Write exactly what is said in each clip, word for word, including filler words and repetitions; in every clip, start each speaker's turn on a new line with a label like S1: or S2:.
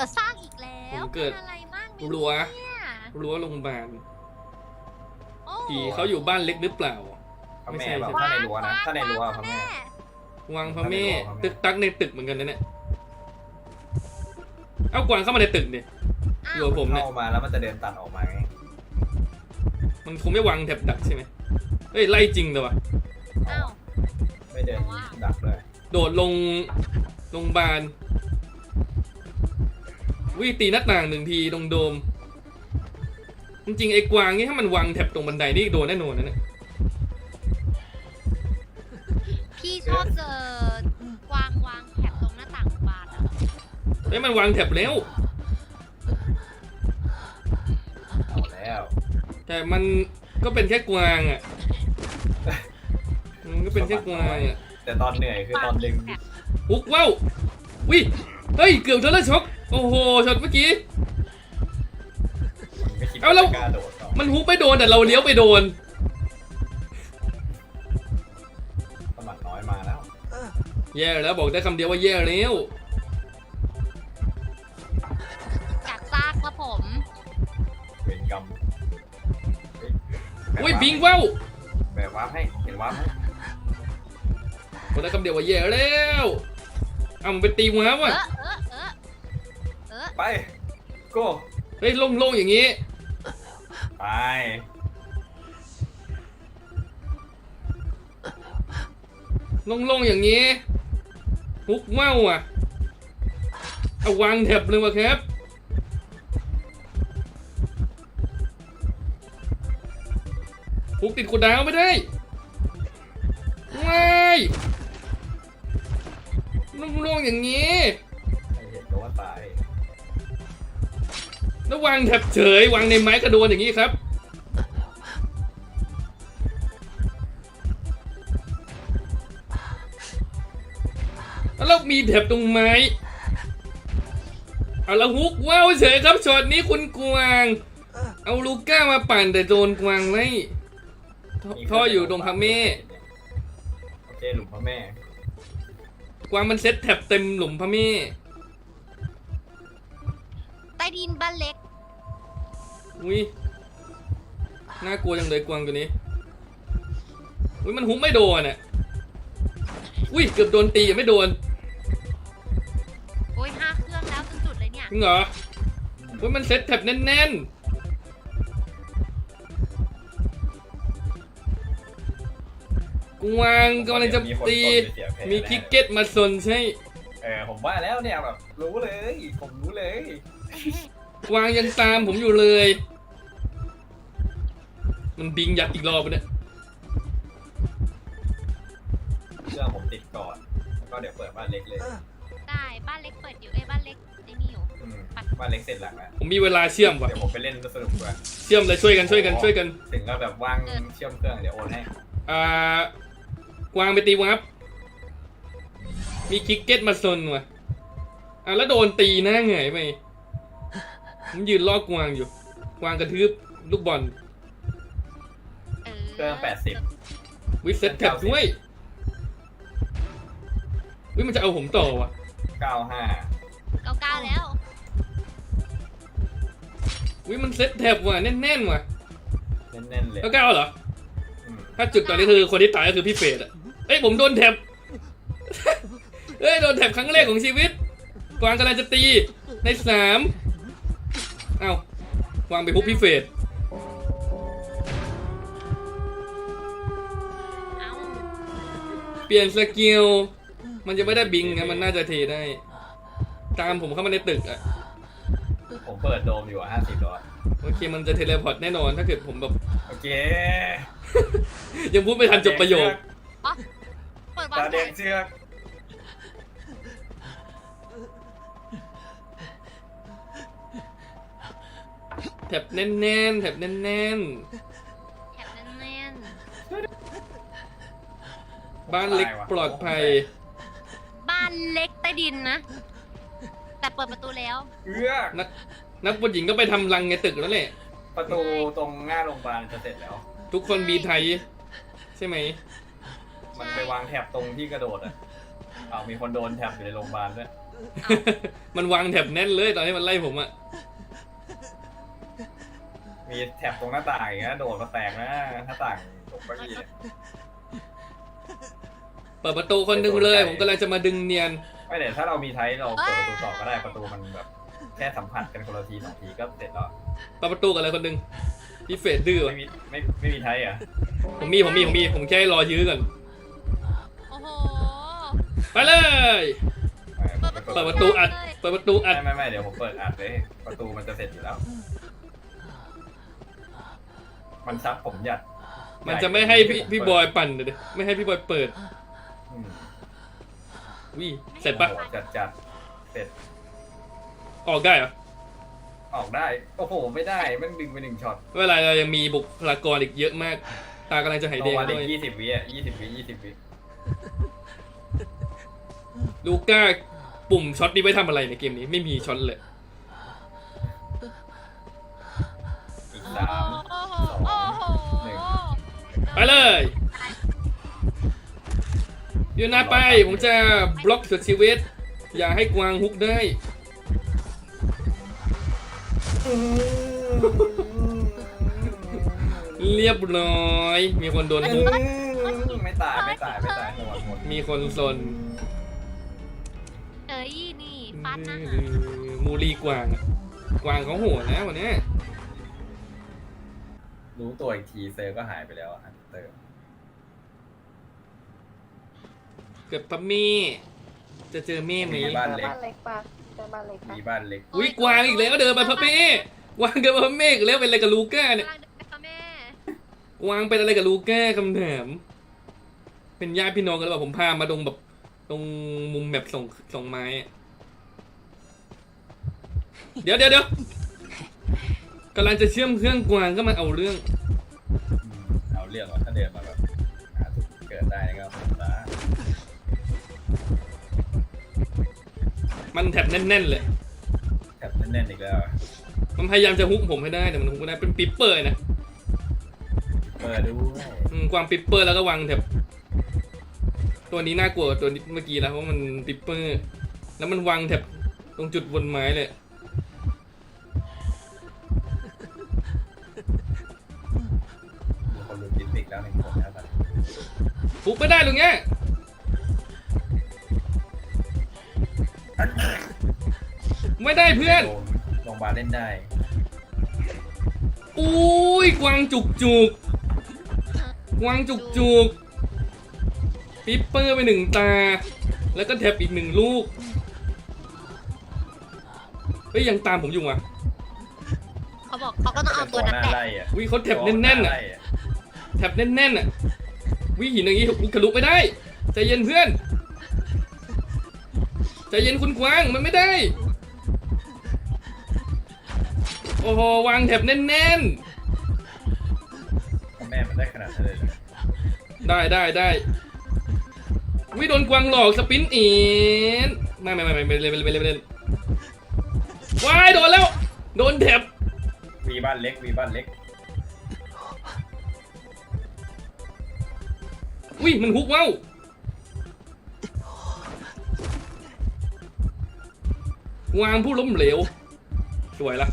S1: ดสร้างอีกแล้ว
S2: ผมเกิด
S1: ป็นอะไรมากไหม
S2: รั้ว
S1: เนี่ย
S2: รั้วโรงพยาบาล
S1: โอ้
S2: ผีเขาอยู่บ้านเล็กหรือเปล่า
S3: พระ
S2: ไม่
S3: แม่
S2: ใช่
S3: แบบ
S2: ใช่
S3: ถ้าในรั้วนะถ้าในรั้วพระแม่
S2: วังพระเม่
S3: พระแม่
S2: ตึกตักในตึกเหมือนกันนะเนี่ยเอากวางเข้ามาในตึกดิอยู่กับผมเนี่ย
S3: เข้ามาแล้วมันจะเดินตัดออกมาไง
S2: มันคงไม่วางแถบดักใช่ไหมเฮ้ยไล่จริงเลยวะ
S1: อ้าว
S3: ไม่เดินดักเลย
S2: โดดลงโรงพยาบาลวิตีหน้าต่างหนึ่งทีตรงโดม จริงๆไอ้กวางนี่ถ้ามันวางแถบตรงบันไดนี่โดนแน่นอนนะเนี่ย
S1: พี่ชอบเจอกวางวางแถบตรงหน้าต่างบานอะ
S2: เฮ้ยมันวางแถบแล้ว
S3: เอาแล้ว
S2: แต่มันก็เป็นแค่กวางอ่ะ มันก็เป็นแค่กวางอ่ะ
S3: แต่ตอนเหนื่อยคือตอนดึง
S1: แถบ
S2: ฮุกว้าววิเฮ้ยเกือบโดนแล้วช็อกโอ้โหช็อตเมื่อกี้
S3: ไม่คิด
S2: เอาแล้ว
S3: จะกล้าโดดต่อ
S2: มันฮุกไม่โดนแต่เราเลี้ยวไปโดน
S3: สมัครน้อยมาแล้ว
S2: แย่แล้วบอกได้คำเดียวว่าแย่แล้ว
S1: กัดซากครับผม
S3: เวรกรรมเฮ้ย
S2: อุ้ยบิงว้าว
S3: แบบวาร์ปให้เห็นวาร์ปไหม
S2: บอกได้คำเดียวว่าแย่แล้วเอามันไปตีว้าว
S1: เอ
S2: อ่ะ
S1: อเออเออเออ
S3: ไปโก้
S2: เฮ้ยโล่งๆอย่างงี้
S3: ไป
S2: โล่งๆอย่างงี้ฮุกว้าวอ่ะเอาวางแถบเลยวะครับฮุกติดกูดาวไม่ได้ว้ายโล่งๆอย่างงี้
S3: ให้เห็นก็ว่าตาย
S2: แล้ววางแถบเฉยวางในไม้กระโดนอย่างนี้ครับแล้วมีแถบตรงไม้เอาละฮุกว้าวเฉยครับช็อตนี้คุณกวางเอาลูก้ามาปั่นแต่โดนกวางไล่ท่ออยู่ตรงพระเม่
S3: โอเคหลุมพระแม่
S2: กวางมันเซ็ตแถบเต็มหลุมพระเม่
S1: ใต้ดินบ้านเล็ก
S2: อุ้ยน่ากลัวจังเลยกวางตัวนี้อุ้ยมันฮุกไม่โดนอ่ะอุ้ยเกือบโดนตียังไม่โดน
S1: โอ้ยห้าเครื่องแล้วจนจุดเลยเนี่ย
S2: จริงเหรออุ้ยมันเซ็ตแถบแน่นๆกวางกำลังจะตีมีคิกเก็ตมาสนใช่
S3: เออผมว่าแล้วเนี่ยแบบรู้เลยผมรู้เลย
S2: กวางยังตามผมอยู่เลย มันบิงยัดอีกรอบไปเนี่ย
S3: เครื่องผมติดก่อนแล้วก็เดี๋ยวเปิดบ้านเล็กเลย
S1: ได้บ้านเล็กเปิดอยู่ไอ้ยบ้านเล็กไอ้นี่อยู่
S3: อืมบ้านเล็กเสร็จหลังแล้ว
S2: ผมมีเวลาเชื่อมว่ะ
S3: เดี๋ยวผมไปเล่นสนุกกว่า
S2: เชื่อมเลยช่วยกันช่วยกันช่วยกัน
S3: ถึงก็แบบว่างเชื่อมเครื่องเดี๋ยวโอนให้
S2: อ่ากวางไปตีวับมีคิกเก็ตมาซนว่ะอ่ะแล้วโดนตีหน้าเหนื่อยไปผมยืนล่อกวางอยู่กวางกระทืบลูกบอล
S1: เออ
S3: เครื่องแปดสิบ
S2: วิเซ็ตแท็บด้วยวิมันจะเอาผมต่อว่ะ
S3: เก้าห้า
S1: เก้าเก้าแล้ว
S2: วิมันเซ็ตแท็บว่ะแน่นๆว่ะ
S3: แน่นๆเลย
S2: แล้วก้าวเหรอ
S3: อืม
S2: ถ้าจุดตอนนี้คือคนที่ตายก็คือพี่เฟรดอะเอ้ยผมโดนแท็บ เอ้ยโดนแท็บครั้งแรกของชีวิต กวางกำลังจะตีในสามเอ้ากวางไปพุบพี่เฟรด
S1: เอ้า
S2: เปลี่ยนสกิลมันจะไม่ได้บิงนะมันน่าจะเทได้ ตามผมเข้ามาในตึกอะ
S3: ผมเปิดโดมอยู่ห้าสิบดอล
S2: โอเคมันจะเทเลพอร์ตแน่นอนถ้าเกิดผมแบบ
S3: โอเค
S2: ยังพูดไม่ทันจบประโยค
S1: อ๋อเปิดวา
S3: ตาง
S1: แผ
S3: แดง
S1: น
S3: เชือก
S2: แถบแน่นๆแถบแน่น
S1: แถบแน่น
S2: ๆบ้านเล็กปลอดภัย
S1: ๆบ้านเล็กใต้ดินนะ แต่เปิดประตูแล้ว
S3: เอือก
S2: นักนักบอลหญิงก็ไปทำรังในตึกแล้วแหละ
S3: ประตูตรงหน้าโรงพยาบาลจะเสร็จแล้ว
S2: ทุกคนมีไทย ใช่ไหม
S3: มันไปวางแถบตรงที่กระโดดอ่ะอ้าวมีคนโดนแถบอยู่ในโรงพยาบาลด้วย
S1: เอา
S2: มันวางแถบแน่นเลยตอนที่มันไล่ผมอะ
S3: มีแถบตรงหน้าต่างอย่างเงี้ยโดดมาแตกนะหน้าต่างตรงเก้าอี้เนี่ย
S2: เปิดประตูคนหนึงเลยผมกำลังจะมาดึงเนียน
S3: ไม่เดี๋ยวถ้าเรามีไทป์เราเปิดประตูต่อก็ได้ประตูมันแบบแค่สัมผัสกันคนละทีสองทีก็เสร็จแล้ว
S2: เปิดประตูกันเลยคนหนึงพี่เฟดดื้อ
S3: ไม่
S2: วะ
S3: มีไม่ไม่มีไทป์อ่ะ
S2: ผมมีผมมีผมมีผมแค่รอยื้อก่อน
S1: โอ้โห
S2: ไปเลย
S3: ไม่ผม
S2: เปิด
S3: ไม่
S2: ประตูอัดเปิดประตูอัด
S3: ไม่ไม่ไม่เดี๋ยวผมเปิดอัดเลยประตูมันจะเสร็จอยู่แล้ว มันซับผมหยัด
S2: มันจะไม่ให้พี่พี่บอยปั่นเลยดิไม่ให้พี่บอยเปิด
S3: อืม
S2: วิเสร็จปะ
S3: โอ้โหจัดจัดเสร็จ
S2: ออกได้เหรอ
S3: ออกได้โอ้โหไม่ได้แมันดึงไปหนึ่งช็อต
S2: เวลาเรายังมีบุคลากรอีกเยอะมาก ตากำลังจะหายแดง
S3: วัน
S2: ด้
S3: อี
S2: วย
S3: กยี่สิบวิอ่ะยี่สิบวิยี่สิบวิ
S2: ลูก้าปุ่มช็อตนี้ไว้ทำอะไรในเกมนี้ไม่มีช็อตเลย
S3: อีกสาม
S1: โอ้โห
S3: สอง
S1: โอ้โห
S3: หนึ่ง
S2: ไปเลยยูนาไปผมจะบล็อกสุดชีวิต อย่าให้กวางฮุกได้ เรียบร้อย มีคนโดนฮุก
S3: ไม่ตายไม่ตายไม่ตายหมดหมด
S2: มีคนซน
S1: เอ้ยนี่ฟันนะ
S2: มูรีกวางอะกวางเขาโหดนะวันเนี้ย
S3: รู้ตัวอีกทีเซอร์ก็หายไปแล้วอ่ะเตอร์
S2: เกือบปะมี่จะเจอเม่ไหม
S3: มีบ้านเล็ก
S4: บ้านเล็กปะเจอบ้านเล็กปะ
S3: มีบ้านเล็ก
S2: อุ้ยกวางอีกแล้วเดินมาพะเม่กวางเดินมาพะเม่อีกแล้วเป็นอะไรกับลูก้าเนี่ย
S1: กำลังเดินไปค่ะแม่
S2: กวางเป็นอะไรกับลูก้าคำถามเป็นญาติพี่น้องกันหรือเปล่าผมพามาตรงแบบตรงมุมแบบส่งส่งไม้อะเดี๋ยวเดี๋ยวเดี๋ยวกำลังจะเชื่อมเครื่องกวางก็มาเอาเรื่อง
S3: อืมเอาเรื่องว่าถ้าเดินมาแบบหาจุดเกิดได้ก็ผมละ
S2: มันแถบแน่นๆเลย
S3: แถบแน่นๆอีกแล้วอะ
S2: มันพยายามจะฮุกผมให้ได้แต่มันฮุกไม่ได้เป็นปิปเปอร์นะ
S3: เปิดด้วย
S2: อืมกวางปิปเปอร์แล้วก็วางแถบตัวนี้น่ากลัวกว่าตัวเมื่อกี้แล้วเพราะมันปิปเปอร์ แล้วมันวางแถบตรงจุดบนไม้เลย
S3: มีคนรู้จิตติกแล้วหนึ่งคนแล้วตอนนี้
S2: ฮุกไม่ได้หรือไงไม่ได้เพื่อน
S3: โดนโรงพยาบาลเล่นได้
S2: อุ้ยกวางจุกจุกกวางจุกจุกปิปเปอร์ไปหนึ่งตา แล้วก็แถบอีกหนึ่งลูกเฮ้ยยังตามผมอยู่อ่ะ
S1: เขาบอกเขาก็ต้องเอาตัวนั้น
S3: หน้า
S1: แหละ
S3: ไล่อะ
S2: วิเขาแถบแน่นๆอ่ะ
S3: ไล่อะ
S2: แถบแน่นๆอ่ะวิหินอย่างงี้ทะลุไม่ได้ใจเย็นเพื่อนใจเย็นคุณกวางมันไม่ได้โอ้โหวางแถบแน่น
S3: พ่อแม่มันได้ขนาดนั้นเลยเหรอ
S2: ๆได้ได้ได้วิโดนกวางหลอกสปินอีนไม่ไม่ไม่ไม่ไม่เล่นไม่เล่นไม่เล่นว้ายโดนแล้วโดนแถบ
S3: มีบ้านเล็กมีบ้านเล็ก
S2: วิมันฮุกว้าววางผู้ล้มเหลวสวยละ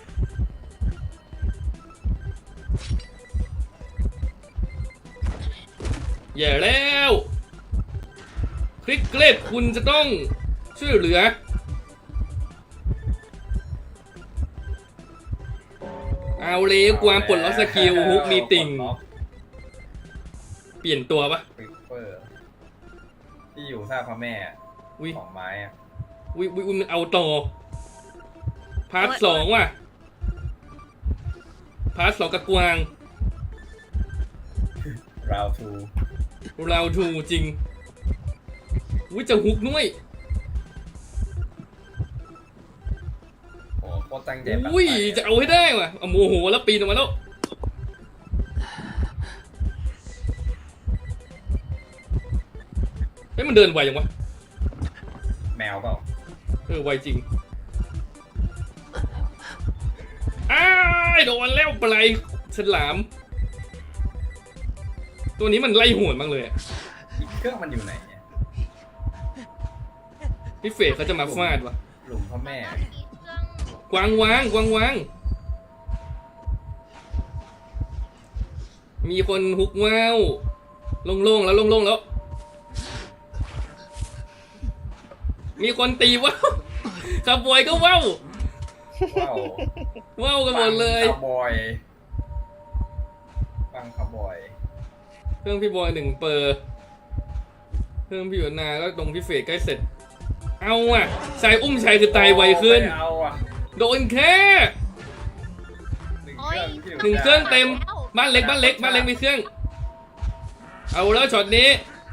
S2: แย่แล้วคลิกเกรดคุณจะต้องช่วยเหลือเอาเลยกวางปลดล็อกสกิลฮุกมีติ่ง
S3: ปลดล็อก
S2: เปลี่ยนตัวปะ
S3: ปิปเปอร์ที่อยู่ซากพ่อแม่อะ
S2: วิ
S3: ของไม้อะ
S2: วิวิวิมันเอาต่อพาร์ทสองว่ะพาร์ทสองกับกวาง
S3: ราวทู
S2: เราถูจริงวิจะฮุกด้วย
S3: โอ้โคตรตั้งใจปั่น
S2: อุ้ย
S3: ไป
S2: จะเอาให้ได้ว่ะเอาโมโหแล้วปีนออกมาแล้วเฮ้ยมันเดินไวยังวะ
S3: แมวเปล่า
S2: เออไวจริงอ้ายโดนแล้วปลายฉลาม ตัวนี้มันไล่หวนบ้างเลยอะ
S3: อีกเครื่องมันอยู่ไหนเนี่ย
S2: พี่เฟรเขาจะมาฟาดวะ
S3: หลุมพ่อแม่
S1: แล้วมีเครื่อง
S2: กวางวางกวางวางมีคนฮุกว้าวโล่งๆแล้วโล่งๆแล้ว มีคนตีว้าวขบวยก็ว้าว
S3: ว้าว
S2: ว้าวกันหมดเลย
S3: คาร์บอยฟังคาร์บอย
S2: เครื่องพี่บอยหนึ่งเปอร์เครื่องพี่หยวนนาก็ตรงพี่เฟรใกล้เสร็จ เอาอ่ะสายอุ้มชัยคือตายไวขึ้น
S3: ไม่เอาอ่ะ
S2: โดนแค่
S3: หนึ่ง
S1: โอ้
S3: เค
S1: ย
S3: รื่องที่ยู่
S2: หนึ่งเครื่องเต็ม บ้านเล็กบ้านเล็กบ้านเล็กมีเครื่อง เอาแล้วช็อตนี้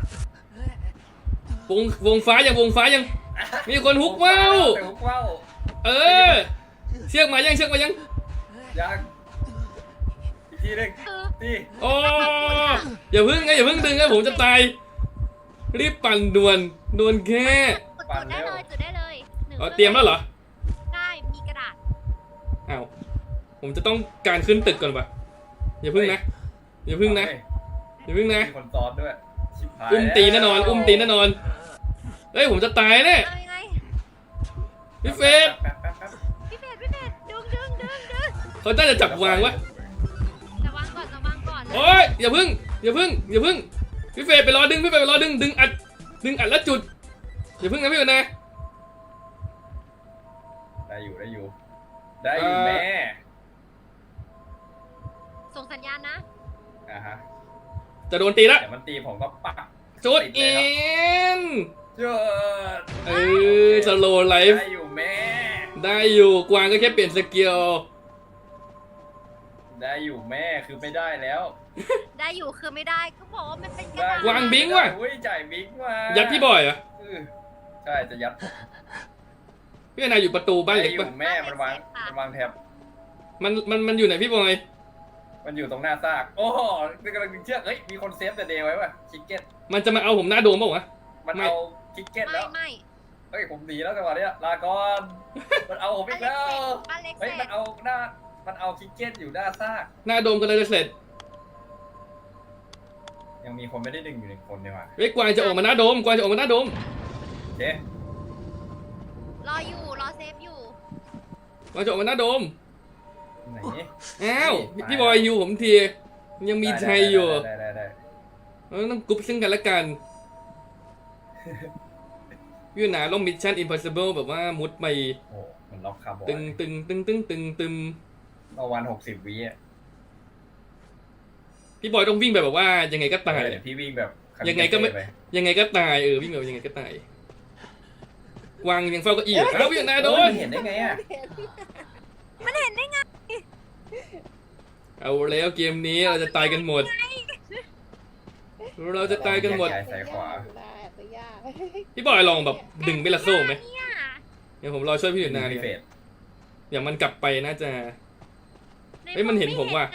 S2: วงวงฟ้ายังวงฟ้ายัง มีคนฮุกว้าว
S3: ฮุกว้าว
S2: เออ เชือกมายังเชือกมายัง
S3: ยังอีกทีหนึง
S1: คือ
S3: นี่
S2: โอ้อย่าพึ่งไงอย่าพึ่งดึงนะผมจะตาย รีบปั่นด่วนด่วนแค่
S1: จุดได้เลยจุดได้เลยหนึ่ง
S2: อ๋อเตรียมแล้วเหรอ
S1: ได้มีกระดาษ
S2: อ้าวผมจะต้องการขึ้นตึกก่อนปะอย่าพึ่งนะ อย่าพึ่งนะ อย่าพึ่งนะ
S3: มีคนซ้อนด้วยชิบหาย
S2: อุ้มตีแน่นอน อุ้มตีแน่นอน เฮ้ยผมจะตายแน่
S1: เอายังไง
S2: พี่เฟส
S3: แป๊บแป๊บแป๊บ
S1: พี่เฟดพี่เฟดดึงดึงดึงดึง
S2: เขาน่าจะจับวางวะ
S1: ระวังก่อนระวังก่อน
S2: โอ้ยอย่าพึ่งอย่าพึ่งอย่าพึ่งพี่เฟสไปรอดึงพี่เฟสไปรอดึงดึงอัดดึงอัดแล้วจุดอย่าพึ่งนะพี่ก่อนนะ
S3: ได้อยู่ได้อยู่ ได้อยู่
S2: เอ่อ
S3: แม่
S1: ส่งสัญญาณนะ
S3: อ่าฮะ
S2: จะโดนตีละ
S3: เดี๋ยวมันตีผมก็ปัก
S2: จุด
S3: ติ
S2: อิ
S3: เลยครับ
S2: น
S3: เจิด
S2: เออสโลไลฟ์
S3: ได้อยู่แม่
S2: ได้อยู่กวางก็แค่เปลี่ยนสกิล
S3: ได้อยู่แม่คือไม่ได้แล้ว
S1: ได้อยู่คือไม่ได้ก็บอกว่ามันเป็นกระ
S3: ได้
S1: ดาษ
S2: วางบิงว่ะ
S3: อุ้ยจ่ายบิงมา
S2: ยั
S3: ยั
S2: ดพี่บอยเหรอ
S3: ใช่จะยัด
S2: พี่นายอยู่ประตูบ้านเล็ก
S3: ได้อ
S2: ปะ
S3: ยู่แม่มันวางมันวางแท็บ
S2: มันมันมันอยู่ไหนพี่บอย
S3: มันอยู่ตรงหน้าซากโอ้โหนี่กำลังดึงเชือกเฮ้ยมีคนเซฟแต่เดย์ไว้ป่ะคิกเก็ต
S2: มันจะมาเอาผมหน้าโดมเปล่าวะ
S3: มัน
S2: ไม่
S3: เอาคิกเก็ต
S1: ไม่
S3: แล้ว
S1: ไม่
S3: เฮ้ยผมหนีแล้วจังหวะเนี้ยลาก่อนมันเอาผมอีกแล้ว
S1: บ้านเล็ก
S3: เฮ้
S1: เส
S3: ย
S1: ร็
S3: มัน
S1: จ
S3: เอาหน้ามันเอาคิกเก็ตอยู่หน้าซาก
S2: หน้าโดมก็เลยจะเสร็จ
S3: ยังมีคนไม่ได้ดึงอยู่หนึ่งคนเนี่ยว่ะ
S2: เฮ้ยกวางจะออกมาหน้าโดมกวางจะออกมาหน้าโดม
S3: โอเค
S1: รออยู่รอเซฟอยู่
S2: กวางจะออกมาหน้าโดม
S3: ไหน
S2: อ้าว
S3: ไม่
S2: พี่บอยอยู่ผมทียังมีชัยอยู่
S3: ได้ได้ได้
S2: เราต้องกรุ๊ปซึ่งกันและกันพี่หนาลงมิชชั่นอิมพอสิเบิลแบบว่ามุดไป
S3: โอ้มันล็อกคาร์บอน
S2: ตึงตึงตึงตึงตึงตึง
S3: ประมาณหกสิบวิอ่ะ
S2: พี่บอยต้องวิ่งแบบแบบว่ายังไงก็ตาย
S3: เดี๋ยวพี่วิ่งแบบ
S2: ยังไงก็ไม่
S3: ป
S2: ยังไงก็ตายเออวิ่งแบบยังไงก็ตายวางยังเฝ้าเก็อีกเอ้าพี่หนาโด
S3: เฮ้ย
S2: น
S3: มันเห็นได้ไงอ่ะ
S1: มันเห็นได้ไง
S2: เอาแล้วเกมนี้เราจะตายกันหมด เราจะตายกันหมด
S3: แยซ้ายขวา
S4: ได้แต่ยาก
S2: พี่บอยลองแบบดึงเบลาโซ่ไหม
S1: เนี่ย
S2: เดี๋ยวผมรอช่วยพี่หนา
S3: พิ
S2: เนี่ย
S3: เศษ
S2: เดี๋ยวมันกลับไปน่าจะ เฮ้ยมันเห็นผมว่ะ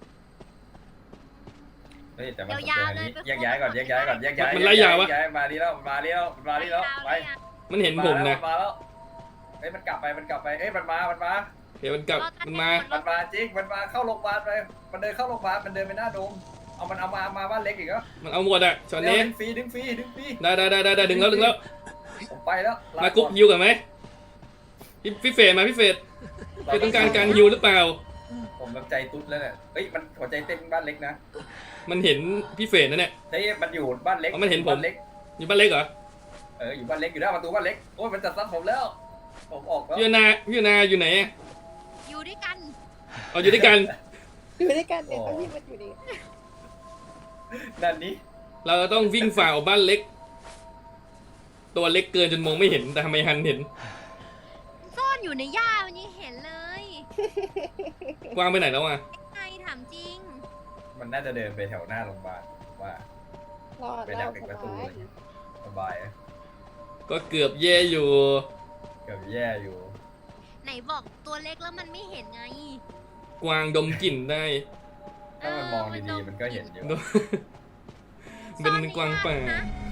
S3: เฮ้ยแต่มัน
S1: ยาวๆเลย
S3: แยกย้ายก่อนแยกย้ายก่อนแยกย้าย
S2: มันไล่ยาววะ
S3: แกย้ายมาดีแล้วมาดีแล้วมาดีแล้วไป
S2: มันเห็นผมนะ
S3: มาแล้วเฮ้ยมันกลับไปมันกลับไปเอ้ยมันมามันมา
S2: เดี๋ยวมันกลับมันมา
S3: มันมาจริงมันมาเข้าโรงพยาบาลไปมันเดินเข้าโรงพยาบาลมันเดินไปหน้าโดมเอามันเอามามาบ้านเล็กอีกแล้ว
S2: มันเอาหมดอะช็อต
S3: เดี๋ยว
S2: นี้
S3: ดึงฟรีดึงฟรีดึงฟรี
S2: ได้ได้ได้ได้ดึงแล้วดึงแล้ว
S3: ผมไปแล้วล
S2: มากรุ๊ปฮิวกันไหมพี่พี่เฟรมาพี่เฟรเฟรต้องการการฮิวหรือเปล่า
S3: ผมแบบใจตุ๊ดแล้วเนี่ยเฮ้ยมันหัวใจเต้นบ้านเล็กนะ
S2: มันเห็นพี่เฟรนะเนี่ย
S3: เฮ้ยมันอยู่บ้านเล็ก
S2: อ๋อมันเห็นผม
S3: บ้านเล็ก
S2: อยู่บ้านเล็กเหรอ
S3: เอออยู่บ้านเล็กอยู่หน้าประตูบ้านเล็กโอ้ยมันจะซัดผมแล้ว ผมออกแล้ว
S2: พี่นาพี่นาอยู่ไหนอะ
S1: อยู่ด้วยกัน
S2: เอาอยู่ด้วยกัน
S4: อยู่ด้วยกันเนี่ยเขาที่มันอยู่ดี
S3: นั่นนี้
S2: เราต้องวิ่งฝ่าออกบ้านเล็ก ตัวเล็กเกินจนมองไม่เห็นแต่ทำไมฮันเห็น
S1: ซ่อนอยู่ในหญ้ามันยังเห็นเลย
S2: กวางไปไหนแล้วอะ
S1: ไงถามจริง
S3: มันน่าจะเดินไปแถวหน้าโรงพยาบาลว่าร
S4: อด
S3: ไป
S4: แล้
S3: ดั
S4: ว
S3: ก
S4: ส
S3: อีกประตู
S4: บาย
S3: เลยสบายอะ
S2: ก็เกือบแย่อยู่
S3: เกือบแย่อยู่
S1: ไหนบอกตัวเล็กแล้วมันไม่เห็นไง
S2: กวางดมกลิ่นได้
S3: ถ้ามันมองดีๆมันก็เห็นอยู่
S2: เป็นกวางป่า
S1: ซ่อนในหญ้นะ